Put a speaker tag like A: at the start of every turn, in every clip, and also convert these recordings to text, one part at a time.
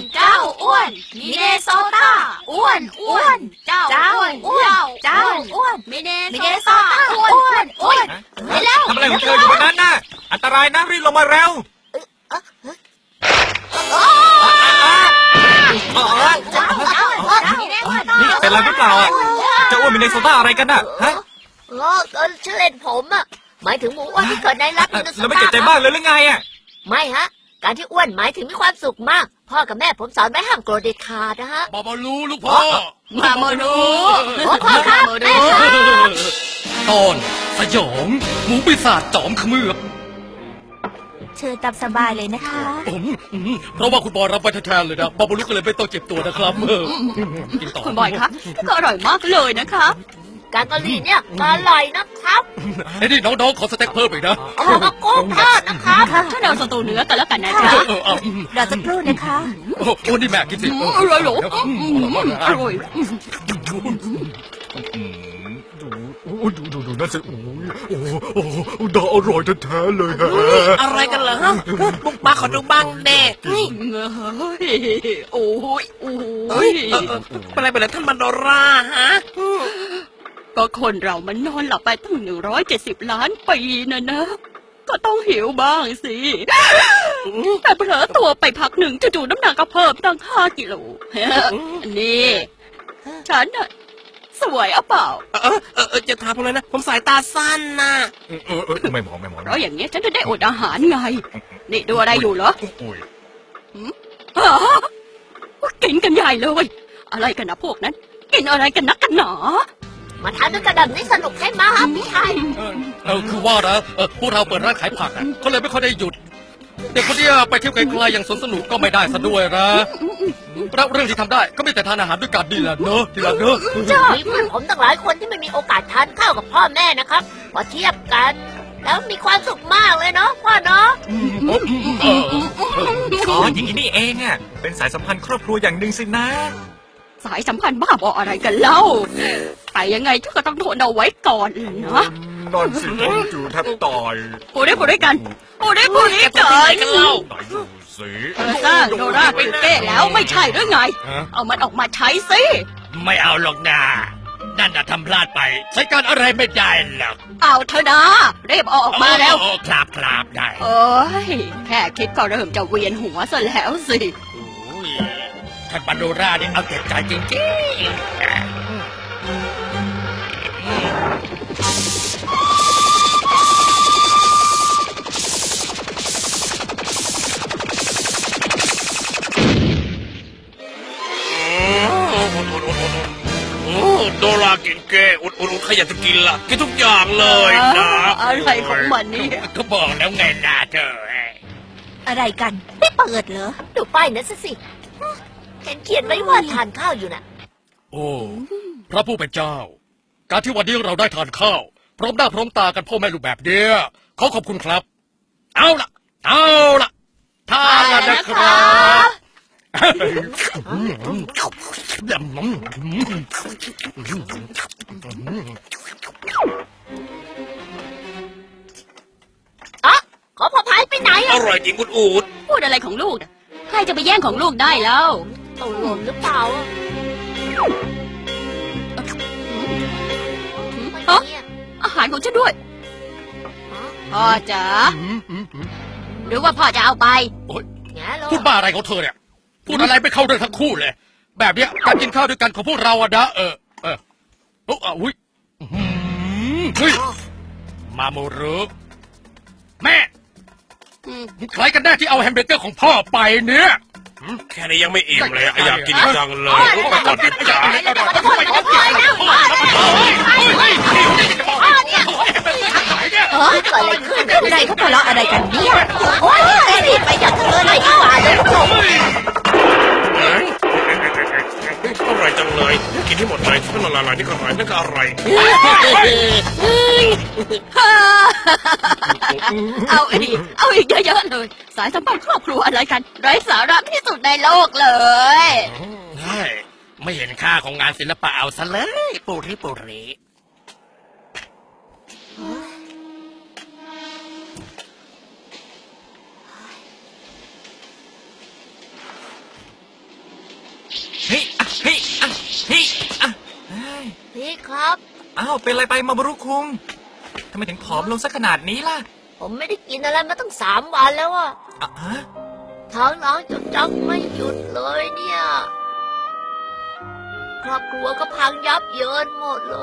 A: เจ้าอ้วนมิเนโซตาอ้วนเจ้าอ้วนเจ้าอ้วนมิเนโซตาอ้วนไปแล้ว
B: ทำอะไรของเธออยู่บนนั้นน่ะอันตรายนะรีบลงมาเร็วนี่เป็นอะไรหรือเปล่าอ่ะจะอ้วนมินเนโซตาอะไรกันน่ะฮะ
A: ชื่อเล่นผมอ่ะหมายถึงหมูอ้วนที่เกิดในรัฐมินเนโซตา
B: แล้วไม่เก็บใจบ้างเลยหรือไงอ่ะ
A: ไม่ฮะการที่อ้วนหมายถึงมีความสุขมากพ่อกับแม่ผมสอนไว้ห้ามโกรธเด็ดขาดนะฮะ
C: บาบาลูลูกพ่อ
A: มาโมนูพ่อครับแม่ครับ
C: ตอนสยองหมูปีศาจจอมเขมือบ
D: เชิญตามสบายเลยนะคะ
C: เพราะว่าคุณบอยรับไปแทนเลยนะบาบาลูก็เลยไม่ต้องเจ็บตัวนะครับกินต่อ
D: คุณบอยคะก็อร่อยมากเลยนะคะ
A: แกงกะหรี่เนี่ยอร่อยนะครับ
C: ไอ้นี่น้องๆขอสเต็กเพิ่มอีกนะ
A: เอามากุ้งทอดนะครับ
D: ถ้าเราสตูเนื้อกันแล้วกันนะจ๊ะรอสักครู่นะคะ
C: โอ้นี่แม่กินสิ
D: อร่อยหรออร่อย
B: ดูนั่นสิดาอร่อยแท้ๆเลยฮะ
E: อะไรกันเหรอฮะบุกมาขอดูบ้างเด็ก
D: โอ้ย
E: เป็นไรท่านมันโดราฮะ
D: ก็คนเรามันนอนหลับไปตั้ง170 ล้านปีนะก็ต้องหิวบ้างสิแต่เผลอตัวไปพักหนึ่งจู่ๆน้ำหนักก็เพิ่มตั้ง5 กิโลนี่ฉันน่ะสวยอ่ะเปล่า
E: จะถามอะไรนะผมสายตาสั้นนะ
B: ไม่มอง
D: เพราะอย่างเงี้ยฉันจะได้อดอาหารไงนี่ดูอะไรอยู่เหรอกินกันใหญ่เลยอะไรกันนะพวกนั้นกินอะไรกันนักกันหนา
A: มาทานด้วยกันแบบนี้สนุกใช่ไหมครับพี่ชาย
C: คือว่านะพวกเราเปิดร้านขายผักก็เลยไม่ค่อยได้หยุดเด็กคนนี้ไปเที่ยวไกลๆอย่างสวนสนุกก็ไม่ได้ซะด้วยนะแล้วเรื่องที่ทำได้ก็ไม่แต่ทานอาหารด้วยกันดีละเนอะทีละเนอะ
A: มีเพื่อนผมตั้งหลายคนที่ไม่มีโอกาสทานข้าวกับพ่อแม่นะครับพอเทียบกันแล้วมีความสุขมากเลยเนาะพ่อเนาะ
B: อ๋ออย่างนี้นี่เองอ่ะเป็นสายสัมพันธ์ครอบครัวอย่างหนึ่งสินะ
D: สายสัมพันธ์บ้าบออะไรกันเล่าไปยังไงเธอก็ต้องทนเอาไว้ก่อนนะ
B: นอนสิจู่แทบตาย
D: พูดได้กันพูดได้กัน
E: ไหนดู
B: สิ
D: โดราเป็นเก้แล้วไม่ใช่หรือไงเอามันออกมาใช้สิ
E: ไม่เอาหรอกนะนั่นน่ะทำพลาดไปใช้การอะไรไม่ได้หรอก
D: เอาเถอะนะรีบออกมาแล้ว
E: ครับได้
D: โอ้ยแค่คิดก็เริ่มจะเวียนหัวซะแล้วสิ
E: ท่านปาโดราเนี่ยเอาแต่ใจจริงโดรากินแกอุดใครอยากจะกินล่ะกินทุกอย่างเลยนะ
D: อะไรของมันนี่
E: ก็บอกแล้วไงนะเธอ
D: อะไรกันไม่เปิดเหรอ
A: ดูป้ายนั้นสิเห็นเขียนไว้ว่าทานข้าวอยู่น่ะ
C: โอ้พระผู้เป็นเจ้าการที่วันนี้เราได้ทานข้าวพร้อมหน้าพร้อมตากันพ่อแม่ลูกแบบเนี้ยขอบคุณครับเอาล่ะทานแล้วนะครับ
A: ขอพอพายไปไหน
E: อร่อยจริงคุณอูด
D: พูดอะไรของลูกใครจะไปแย่งของลูกได้แล้ว
A: ตกลงหรือเปล่า
D: อาหารของฉันด้วยพ่อจ๋าหรือว่าพ่อจะเอาไป
C: พูดบ้าอะไรของเธอเนี่ยพูดอะไรไม่เข้าเรื่องทั้งคู่เลยแบบเนี้ยการกินข้าวด้วยกันของพวกเราอะนะอุ้ยมาโมรุแม่ใครกันแน่ที่เอาแฮมเบอร์เกอร์ของพ่อไปเนี่ย
E: แค่นี้ยังไม่อิ่มเลยอยากกินจังเลยไปก่อนดิจ๋า
D: เกิดอะไรขึ้นอะไรเขาทะเลาะอะไรกันเนี่ยโอ้ยรีบไปจากเธอเลยดีกว่าเลย
E: อร่อยจังเลยกินให้หมดเลยที่มันละลายนี่ก็อร่อยนั่นก็อร่อย
D: เอาอีกเยอะๆเลยสายสัมพันธ์ครอบครัวอะไรกันไร้สาระที่สุดในโลกเลย
E: ใช่ไม่เห็นค่าของงานศิลปะเอาซะเลยปูริ
A: พี่ครับ
B: อ้าวเป็นอะไรไปมาบรุคุงทำไมถึงผอมลงสักขนาดนี้ล่ะ
A: ผมไม่ได้กินอะไรมาตั้ง3 วันแล้วอะ
B: อ่ะฮะ
A: ท้องร้องจนจังไม่หยุดเลยเนี่ย ครอบครัวก็พังยับเยินหมดเลย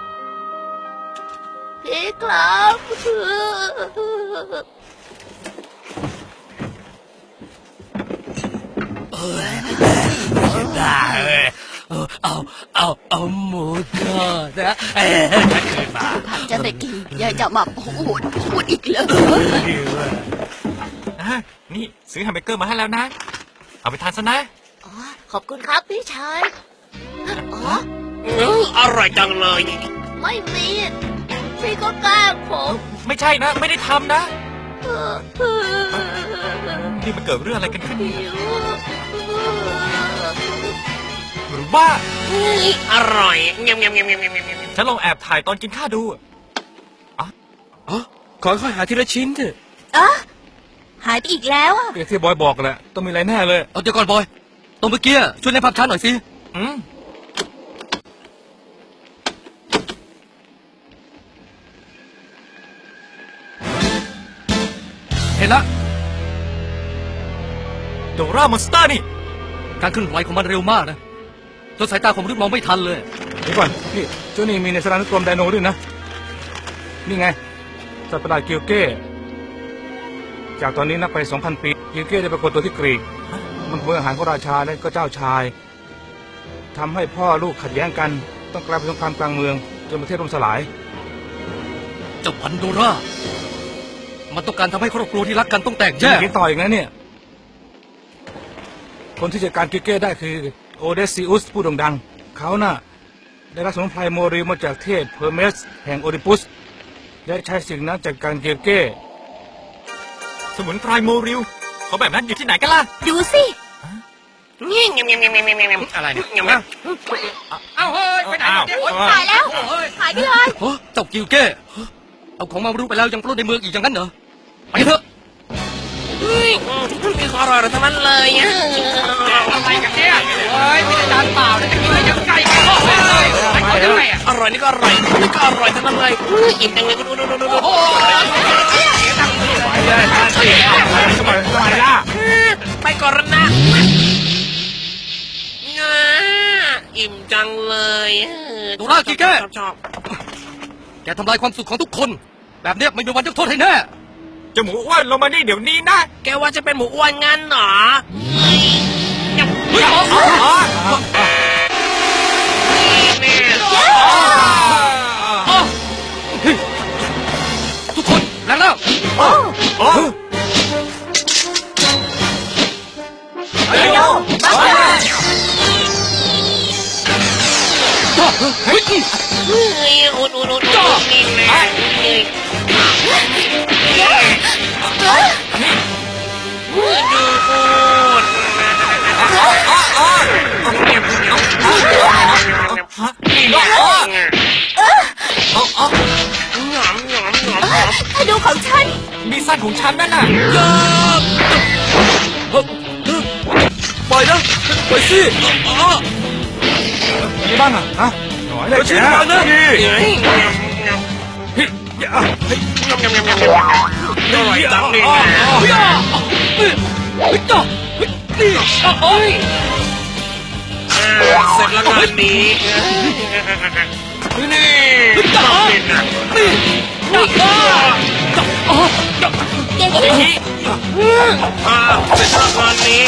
A: พี่ครับ
C: เอาหมูทอดนะคืนมา
D: ผักจะไปกินยายจะมาพูดอีกเลย
B: อ่ะนี่ซื้อแฮมเบอร์เกอร์มาให้แล้วนะ เอาไปทานซะนะ
A: อ๋อขอบคุณครับพี่ชาย อ๋อ
E: อร่อยจังเลย
A: ไม่มี พี่ก็แกล้งผม
B: ไม่ใช่นะ ไม่ได้ทำนะ
A: เออ
B: นี่มันเกิดเรื่องอะไรกันขึ้น
A: หิว
B: หรือว่า
E: อร่อยเงียบเงียบเงียบเงียบเงียบเงียบ
B: ฉันลองแอบถ่ายตอนกินข้าวดู
F: ขอค่อยหาทีละชิ้นเถอะ
A: อะหายไปอีกแล้วอะ
F: อย่างที่บอยบอกแหละต้องมีอะไรแน่เลย
C: เอาเดี๋ยวก่อนบอยตรงเมื่อกี้ช่วยในภาพช้าหน่อยสิ
B: อืม
C: เห็นละ
B: โดรามอนสเตอร์นี่
C: การเคลื่อนไหวของมันเร็วมากนะจนสายตาของมนุษย์มองไม่ทันเลย
F: เดี๋ยวก่อนนี่เจ้านี่มีในสถานุกรมไดโนด้วยนะ นี่ไง สัตว์ประหลาดกิลเก้ จากตอนนี้นับไป 2,000 ปี กิลเก้ได้ปรากฏตัวที่กรีก มันเพื่ออาหารของราชาและก็เจ้าชายทำให้พ่อลูกขัดแย้งกัน ต้องกลายเป็นสงครามกลางเมืองจนประเทศล่มสลาย
C: เจ้าพันโดรามันต้องการทำให้ครอบครัวที่รักกันต้องแตก
F: จะ
C: แยก
F: มีต่ออีกนะเนี่ย คนที่จัดการกิลเก้ได้คือโอเดซิอุสผู้โด่งดัง เขาน่ะ ได้รับสมุนไพรโมริลมาจากเทพเพอร์เมสแห่งโอดิปุส และใช้สิ่งนั้นจัดการกิลเก้
B: สมุนไพรโมริลเขาแบบนั้นอยู่ที่ไหนกันล่ะ
A: ดูสิ
E: เงียบเงียบเงียบเงียบเงียบเงียบเงียบ
C: อะไรเนี่ย
E: เงียบเงียบ
C: เอาเฮ้ยไปไหน
B: อ้าว
C: เนี่ย
A: หายแล้ว หายไปเลย
C: เฮ้ยเจ้ากิลเก้เอาของมารู้ไปแล้วยังปล้นในเมืองอีกอย่างนั้นเหรอไปเถอะ
E: มีของอร่อยทั้งนั้นเลยอ่ะ
C: อะไรกันเนี่ยเฮ้ยไม่ได้จานเปล่าแต่กินอะไรยังไก่กันเลยเอายังไงอ่ะ
E: อร่อยนี่ก็อร่อยนี่ก็อร่อยทั้งนั้นเลยอิ่มจังเลยดู
C: โอ้ย
F: ทำไมล่ะ
E: ไปก่อนแล้วนะอิ่มจังเลยชอบ
C: แกทำลายความสุขของทุกคน แบบเนี้ยไม่มีวันยกโทษให้แน่
B: เจ้าหมูอ้วนลงมานี่เดี๋ยวนี้นะ
E: แกว่าจะเป็นหมูอ้วนงั้นเหรอ
C: เฮ้ยอ๋อ
E: แม่
C: ทุกคนแรงแล้ว
B: โอ้เฮ้ย
C: เฮ้ย
E: อุดนี่แม่ดูพูด
B: นี่เนาะอ๋อ
E: หยอม
A: ให้ดูของฉัน
B: มีสั้นของฉันนั่นน่ะ
F: ปล่อยนะปล่อยสิมีบ้างอ่ะฮะหน่อยเลยแกนะ
E: อร่อยจังเลยเสร็จแล้วงานนี้นี่ต้องกินนะ
A: เก่ง
E: เสร็จแล้วงานนี้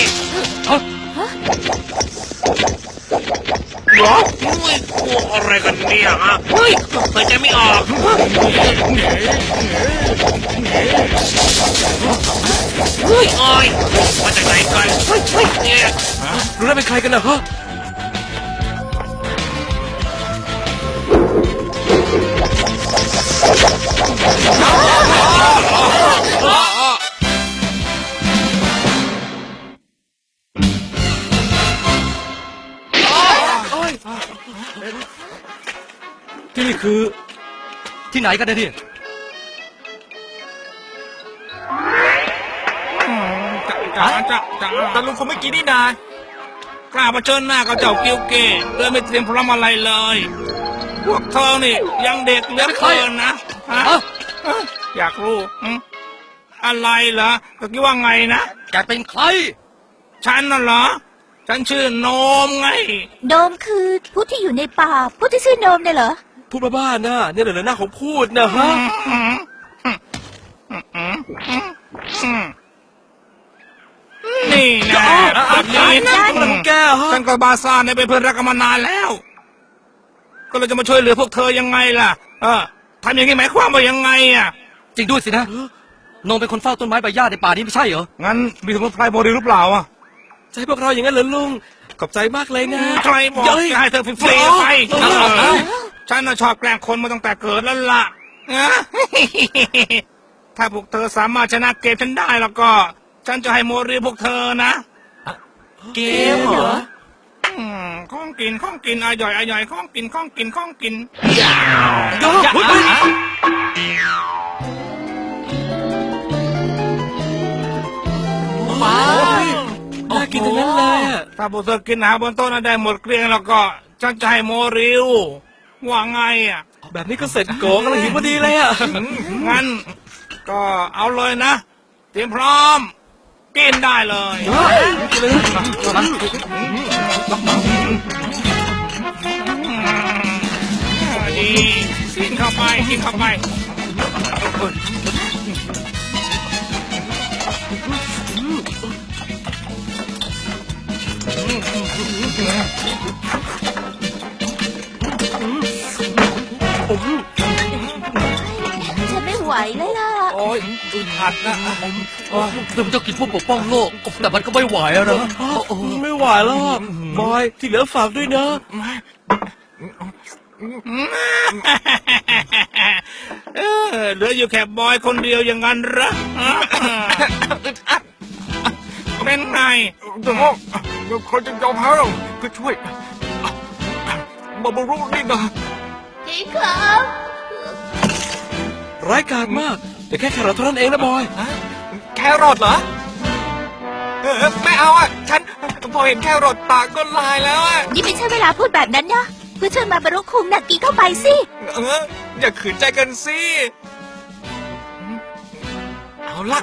E: อุ้ยกลัวอะไรกันเนี่ยฮะเฮ้ยหายใจไม่ออกเฮ้ยโอ้ยมาจากไหนกันเนี่ย
F: รู้แล้วเป็นใครกันนะฮะ ที่นี่คือ
C: ที่ไหนกันเนี่ย
B: แต่ลุงคงไม่กินนี่นาก
F: ล้าเผชิญหน้ากับเจ้ากิลเก้โดยไม่เตรียมพร้อมอะไรเลยพวกเธอนี่ยังเด็กเหลือเกินนะฮะ
C: ฮะ
F: อยากรู้อะไรเหรอก็คิดว่าไงนะ
C: แกเป็นใคร
F: ฉันน่ะเหรอ ฉันชื่อโนมไง
A: โนมคือผู้ที่อยู่ในป่าผู้ที่ชื่อโนมเนี่ยเหรอ
G: พูดบ้าๆนะเนี่ยเหรอหน้าของพูดนะฮะ
F: นี่นะแบบนี้
G: อะไรของแกฮะ
F: ฉันกับบาซ่าเนี่ยเป็นเพื่อนรักกันมานานแล้ว ก็เลยจะมาช่วยเหลือพวกเธอยังไงล่ะทำอย่างนี้หมายความว่ายังไงอ่ะ
C: จริงด้วยสินะนงเป็นคนเฝ้าต้นไม้ใบหญ้าในป่านี้ไม่ใช่เหรอ
F: งั้นมีสมุนไพรโมเดลหรือเปล่าอ่ะ
G: จะให้พวกเราอย่างนั้นเหรอลุง ขอบใจมากเลยนะ
F: ใครบอก
G: เย้ย
F: จะให้เธอฟรีๆไป
C: เอา
F: ฉันน่ะชอบแกล้งคนมาตั้งแต่เกิดแล้วล่ะ ถ้าพวกเธอสามารถชนะเกมฉันได้แล้วก็ ฉันจะให้โมเดลพวกเธอนะ
G: เกมเหรอ
F: ของกินอร่อยของกิน
G: ยอดเฮ้ยน่ากินทั้งนั้นเลยอะ
F: ถ้าพวกเธอกินอาหารบนโต๊ะนั้นได้หมดเกลี้ยงแล้วก็ ฉันจะให้โมริวว่าไงอ่ะ
G: แบบนี้ก็เสร็จโกงกำลังหิวพอดีเลยอะ
F: งั้น ก็เอาเลยนะ เตรียมพร้อม กินได้เลย ดีกินเข้าไป
A: ฉันไม่ไหวเลยล่ะ
F: โอ้ยอึดอัดนะ
C: ถึงจะกินพวกปกป้องโลก แต่มันก็ไม่ไหวอะนะ
G: ไม่ไหวแล้วอะบอยที่เหลือฝากด้วยนะ
F: เหลืออยู่แค่บอยคนเดียวอย่างนั้นเหรอเป็นไง
B: คนจะยอมแพ้เราเพื่อช่วยมาบรุนี่นะ
A: พี่ครับ
G: ร้ายกาจมาก แต่แค่แครอทเท่านั้นเองนะบอย
B: แครอทเหรอไม่เอาอ่ะ ฉันพอเห็นแครอทปากก็ลายแล้วอ่ะ
A: นี่ไม่ใช่เวลาพูดแบบนั้นนะเพื่อช่วยมาบรรลุคุงน่ะกินเข้าไปสิ
B: อย่าขืนใจกันสิ เอาละ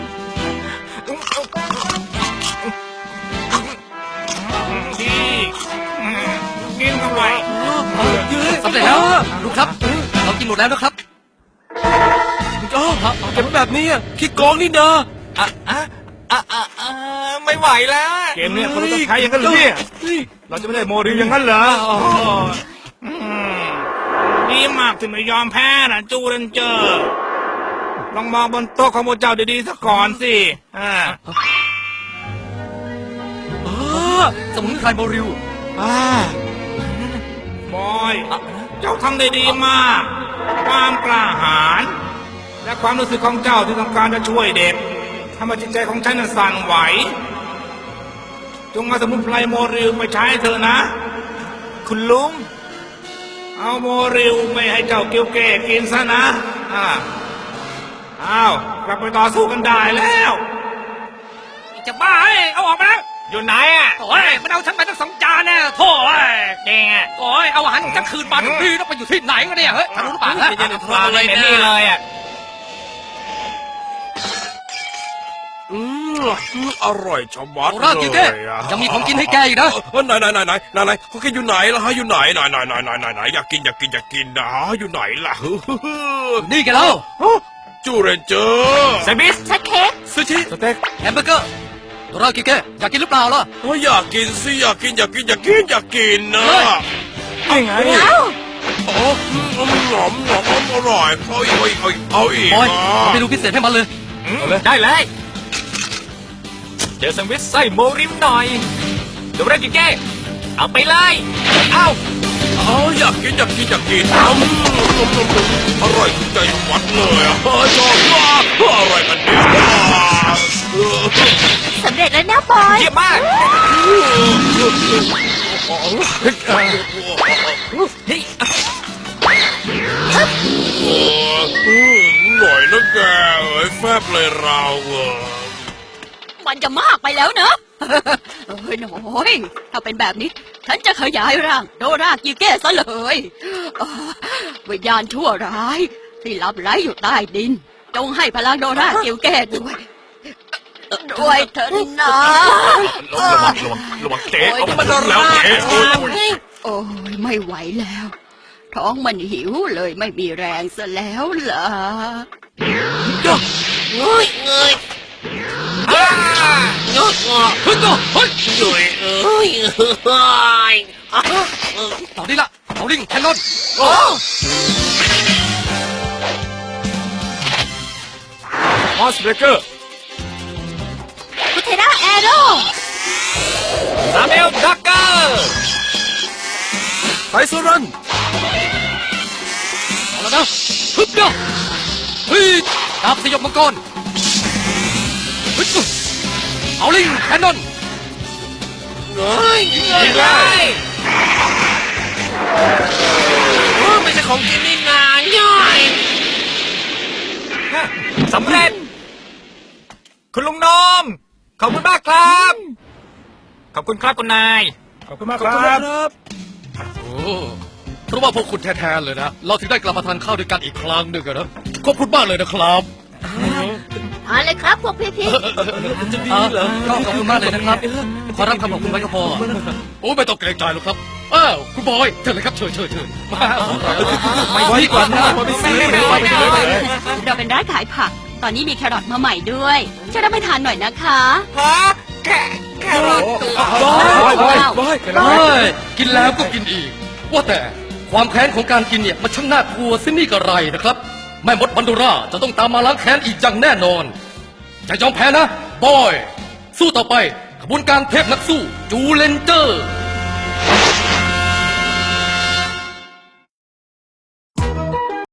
F: ดีกินเข้าไป
C: สำเร็จแล้วลูกครับ เรากินหมดแล้วนะครับ
G: ก็เก็บไว้แบบนี้อะขี้โกงนี่นะ
B: ไม่ไหวแล้ว
F: เกมเนี้ยคนเราต้องใช้อย่างนั้นเหรือเนี่ย
G: เฮ้ย
F: เราจะไม่ได้โมริวอย่างนั้นเหรอดีมากที่ไม่ยอมแพ้นะจูเรนเจอร์ลองมองบนโต๊ะของพวกเจ้าดีๆสักก่อนสิ
C: สมุนไพรโมริว
F: บอย เจ้าทำได้ดีมาก ความกล้าหาญและความรู้สึกของเจ้าที่ต้องการจะช่วยเด็กทำให้จิตใจของฉันนั้นสั่นไหว จงเอาสมุนไพรโมริวไปใช้เถอะนะ
B: คุณลุง
F: เอาโมริวไม่ให้เจ้าเกียวเก้กินซะนะอ้าวกลับไปต่อสู้กันได้แล้ว
C: จะบ้าเอ้ยเอาออกมาแล้ว
B: อยู่ไหนอ่ะ
C: โอ้ยมันเอาฉันไปตั้ง2 จานแน่โถ่เอ้ย
F: เด้งอ่ะ
C: โอ้ยเอาอาหารของฉันคืนมาทุกทีต้องไปอยู่ที่ไหนกันเนี่ยเฮ้ยทะลุหรือเปล่าฮะ
G: ไม่ใช่ในท้อง
B: อะไรเนี่ยนี่เลยอ่ะ
E: อร่อยชะมัด
C: โอ้
E: เล
C: รากิเก้
E: ยอะ
C: ยังมีของกินให้แกอีกนะ
E: ไหนเขาแกอยู่ไหนล่ะฮะอยู่ไหนอยากกินนะอยู่ไหนล่ะ
C: นี่แกแล้ว
E: จูเรนเจอร์
B: แซนด์วิช
A: ชัดเค้ก
G: ซูชิ
F: สเต็ก
C: แฮมเบอร์เกอร์โรากิเก้อยากกินหรือเปล่าล่ะ
E: อยากกินสิอยากกินนะ
F: นี่ไง
A: เอ้า
E: โอ้หอมอร่อยเอาอีก
C: บอยเอาไปดูพิเศษให้มันเลย
B: ได้เลย เจอแซนด์วิชไส้โมริมหน่อยเดี๋ยวเรกิเก้เอาไปเลย เอา
E: อยากกินอร่อยถูกใจวัดเลยชอบมากอะไรกันเนี่ย
A: สำเร็จแล้วนะบอย
B: เยี่ยมมาก นี่
E: หน่อยนะแกแฟบเลยเรา
D: มันจะมากไปแล้วเนอะเอ้ยน้อยถ้าเป็นแบบนี้ ฉันจะขยายร่างโดรากิเก้ซะเลยวิญญาณชั่วร้าย ที่ลับไร้อยู่ใต้ดิน จงให้พลังโดรากิเก้ด้วยเถิดนะ
B: ระวังเจ๊เอามันแล้วเจ๊
D: โอ้ยไม่ไหวแล้ว ท้องมันหิวเลยไม่มีแรงซะแล้วล่ะ
G: เฮ้ยเงยยกงอ
C: เฮ้ยก็เฮ้ย
G: ยุยเอ้ยเฮ้ย
C: ตอนนี้ละเอาลิงแคนนอน
B: มอสเบรกเกอร์
A: พุทเทราแอโร่
B: ซาเมลดักเกอร์
G: ไทโซรัน
C: เอาแล้วนะฮึบเนาะเฮ้ยดาบสยบมังกรฮึบเอาลิงแคนนอน
G: เฮ้ย
B: ยิงเลย
G: ไม่ใช่ของกินนี่นาย่อย
B: สำเร็จ คุณลุงนอม ขอบคุณมากครับ ขอบคุณครับคุณนาย
F: ขอบคุณมาก
G: ขอบ
F: ค
G: คุณ
F: รับ
G: ครับ
C: โอ้เพราะว่าพวกคุณแท้ๆเลยนะ เราถึงได้กลับมาทานข้าวด้วยกันอีกครั้งหนึ่งอะนะขอบคุณมากเลยนะครับ
A: ทานเลยครับพวกพี่
G: จะดีเหรอ
C: ก็ขอบคุณมากเลยนะครับ ขอรับคำขอบคุณไว้ก็พอ โอ้ไม่ต้องเกรงใจหรอกครับ อ้าวคุณบอยเชิญเลยครับเชิญมา
G: ไม่ไว้ก่อนนะไม่ซื้อไม่ไว้ไปเลย
D: เราเป็นร้านขายผัก ตอนนี้มีแครอทมาใหม่ด้วยช่วยรับไปทานหน่อยนะคะ
B: ฮะแค่รอดตัว
G: บอยบอยบอย
C: เฮ้ยกินแล้วก็กินอีก ว่าแต่ความแค้นของการกินเนี่ยมันช่างน่ากลัวซินี่กระไรนะครับ แม่มดบันดูราจะต้องตามมาล้างแค้นอีกอย่างแน่นอนจะยอมแพ้นะ บอย สู้ต่อไปขบวนการเทพนักสู้จูเลนเจอร์